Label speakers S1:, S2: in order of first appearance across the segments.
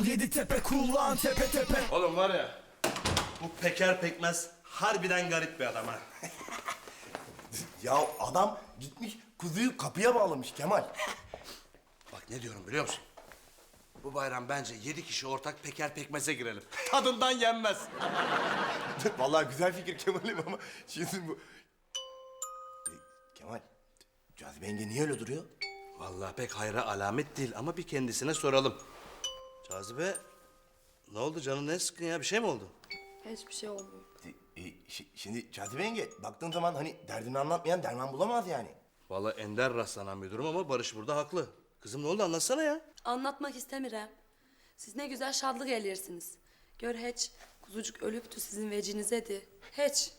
S1: Yedi tepe kullan tepe tepe.
S2: Oğlum var ya, bu Peker Pekmez harbiden garip bir adam ha.
S3: Ya adam gitmiş kuzuyu kapıya bağlamış Kemal.
S2: Bak ne diyorum biliyor musun? Bu bayram bence 7 kişi ortak Peker Pekmez'e girelim. Tadından yenmez.
S3: Vallahi güzel fikir Kemal'im ama şimdi bu... Kemal, Cazibe yenge niye öyle duruyor?
S2: Vallahi pek hayra alamet değil ama bir kendisine soralım. Cazibe, ne oldu canın ne sıkkın ya? Bir şey mi oldu?
S4: Hiçbir şey olmuyor.
S3: Şimdi Cazibe yenge baktığın zaman hani derdini anlatmayan derman bulamaz yani.
S2: Vallahi ender rastlanan bir durum ama Barış burada haklı. Kızım ne oldu anlatsana ya.
S4: Anlatmak istemiyorum. Siz ne güzel şadlık elirsiniz. Gör hiç kuzucuk ölüptü sizin vecinize. Hiç.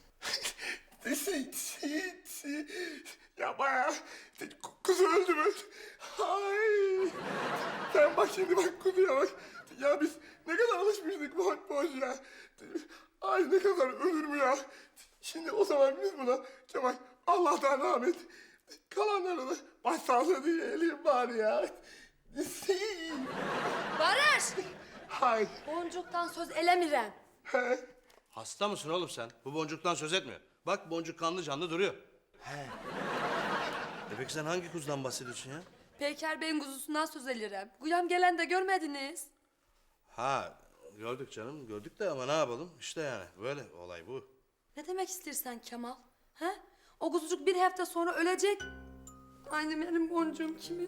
S3: Ya bayağı kuzu öldü mü? Ay. Sen bak şimdi bak kuzuya bak. Ya biz ne kadar alışmıştık boş boş ya. Ay ne kadar ölür mü ya? Şimdi o zaman biz buna Kemal Allah'tan rahmet. Kalanlarını başsağlığı diyelim bari ya.
S4: Barış!
S3: Hay.
S4: Boncuktan söz elemirem.
S2: Hasta mısın oğlum sen? Bu boncuktan söz etmiyor. Bak boncuk kanlı canlı duruyor. Peki sen hangi kuzudan bahsediyorsun ya?
S4: Peyker Bey'in kuzusundan söz elirim. Guyam gelen de görmediniz.
S2: Ha gördük canım gördük de ama ne yapalım? İşte yani böyle olay bu.
S4: Ne demek istersen Kemal? He? O kuzucuk bir hafta sonra ölecek. Aynı benim boncuğum kimin?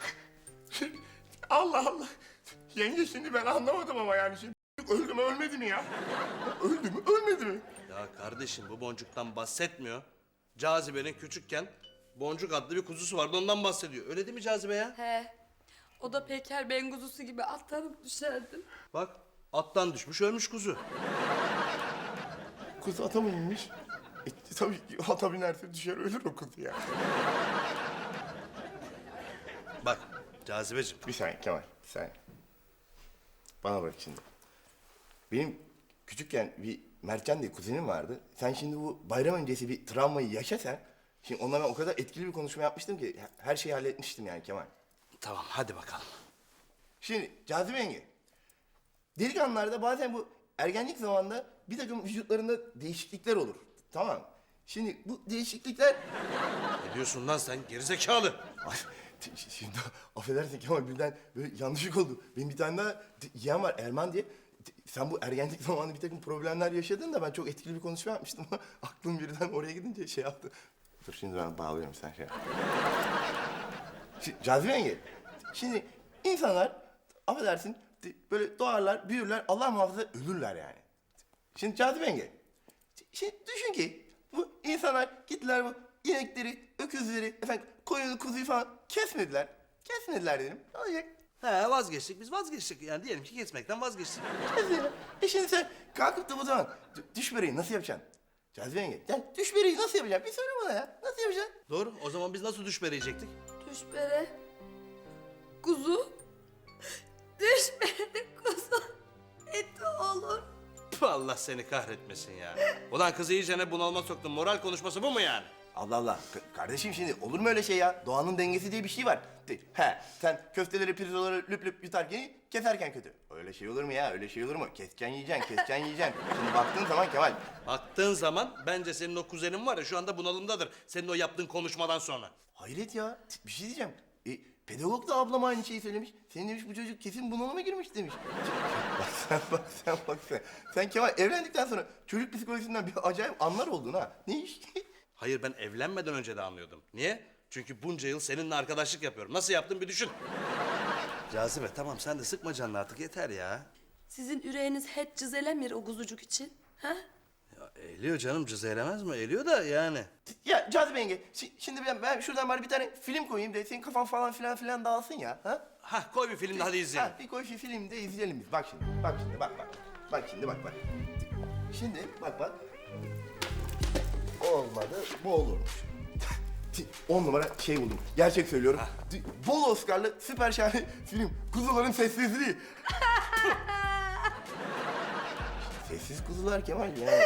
S3: Allah Allah. Yenge şimdi ben anlamadım ama yani şimdi öldü mü ölmedi mi ya? Öldü mü ölmedi mi?
S2: Ya kardeşim bu boncuktan bahsetmiyor. Cazibe'nin küçükken Boncuk adlı bir kuzusu vardı ondan bahsediyor. Öyle değil mi Cazibe ya?
S4: He. O da Peyker Bey'in kuzusu gibi atlanıp düşerdi.
S2: Bak attan düşmüş ölmüş kuzu.
S3: Kuzu ata mı inmiş? Tabii ki ata binerse düşer ölür o kuzu ya.
S2: Bak Cazibeciğim.
S3: Bir saniye Kemal, bir saniye. Bana bırak şimdi. Benim küçükken bir Mertcan diye kuzenim vardı. Sen şimdi bu bayram öncesi bir travmayı yaşa sen. Şimdi onunla ben o kadar etkili bir konuşma yapmıştım ki her şeyi halletmiştim yani Kemal.
S2: Tamam hadi bakalım.
S3: Şimdi Cazibe yenge, delikanlılarda bazen bu ergenlik zamanında bir takım vücutlarında değişiklikler olur. Tamam mı? Şimdi bu değişiklikler...
S2: Ne diyorsun lan sen gerizekalı?
S3: Ay, şimdi affedersin Kemal birden böyle yanlışlık oldu. Benim bir tane daha yeğen var Erman diye. Sen bu ergenlik zamanı bir takım problemler yaşadın da ben çok etkili bir konuşma yapmıştım ama aklım birden oraya gidince şey yaptı. Dur şimdi ben bağlıyorum sen şey yap. Şimdi, Cazibe yenge, şimdi insanlar affedersin böyle doğarlar, büyürler, Allah muhafaza ölürler yani. Şimdi Cazibe yenge, şimdi düşün ki bu insanlar gittiler bu inekleri, öküzleri, efendim koyunu, kuzuyu falan kesmediler. Kesmediler dedim. Ne olacak?
S2: He vazgeçtik biz vazgeçtik. Yani diyelim ki kesmekten vazgeçtik.
S3: Kesmediler. Şimdi sen kalkıp da bu zaman düş böreği nasıl yapacaksın? Cazibe yenge, yani düş böreği nasıl yapacaksın? Bir söyle bana ya. Nasıl yapacaksın?
S2: Doğru o zaman biz nasıl düş verecektik?
S4: Düşbere. Kuzu. Düşbere kuzu. Eti olur.
S2: Tüh, Allah seni kahretmesin ya. Ulan kızı iyice ne bunalıma soktun. Moral konuşması bu mu yani?
S3: Allah Allah. Kardeşim şimdi olur mu öyle şey ya? Doğanın dengesi diye bir şey var. Sen köfteleri, pirzoları lüp lüp yutarken keserken kötü. Öyle şey olur mu ya? Öyle şey olur mu? Keseceksin yiyeceksin, keseceksin yiyeceksin. Şimdi baktığın zaman Kemal.
S2: Baktığın zaman bence senin o kuzenin var ya şu anda bunalımdadır. Senin o yaptığın konuşmadan sonra.
S3: Hayret ya. Bir şey diyeceğim. Pedagog da ablam aynı şeyi söylemiş. Senin demiş bu çocuk kesin bunalıma girmiş demiş. Bak sen. Sen Kemal evlendikten sonra çocuk psikolojisinden bir acayip anlar oldun ha. Ne iş?
S2: Hayır ben evlenmeden önce de anlıyordum. Niye? Çünkü bunca yıl seninle arkadaşlık yapıyorum. Nasıl yaptın bir düşün. Cazibe tamam sen de sıkma canını artık yeter ya.
S4: Sizin yüreğiniz hiç cızelemir o kuzucuk için. Ha?
S2: Ya eğiliyor canım cız eylemez mi? Eğiliyor da yani.
S3: Ya Cazibe yenge, şimdi ben şuradan bari bir tane film koyayım da senin kafan falan filan dağılsın ya. Ha?
S2: Hah koy bir film de hadi izleyelim.
S3: Ha, bir koy şu filmi de izleyelim biz. Bak şimdi, bak. Bak şimdi, bak. Şimdi, bak. Olmadı, bu olurmuş. 10 numara şey buldum. Gerçek söylüyorum. Bol Oscar'lı süper şahane film. Kuzuların sessizliği. Sessiz kuzular Kemal ya.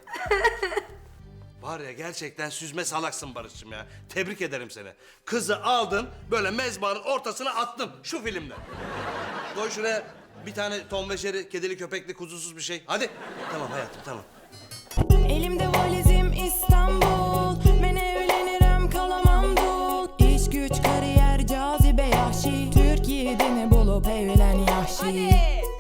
S2: Var ya gerçekten süzme salaksın Barış'cığım ya. Tebrik ederim seni. Kızı aldın böyle mezbanın ortasına attın şu filmde. Koy şuraya Bir tane Tom ve Jerry, kedili köpekli kuzusuz bir şey. Hadi. Tamam hayatım tamam.
S5: Elimde valizim İstanbul. Ben evlenirim kalamam dul. İş güç kariyer cazibe yahşi. Türkiye'de bulup evlen yahşi.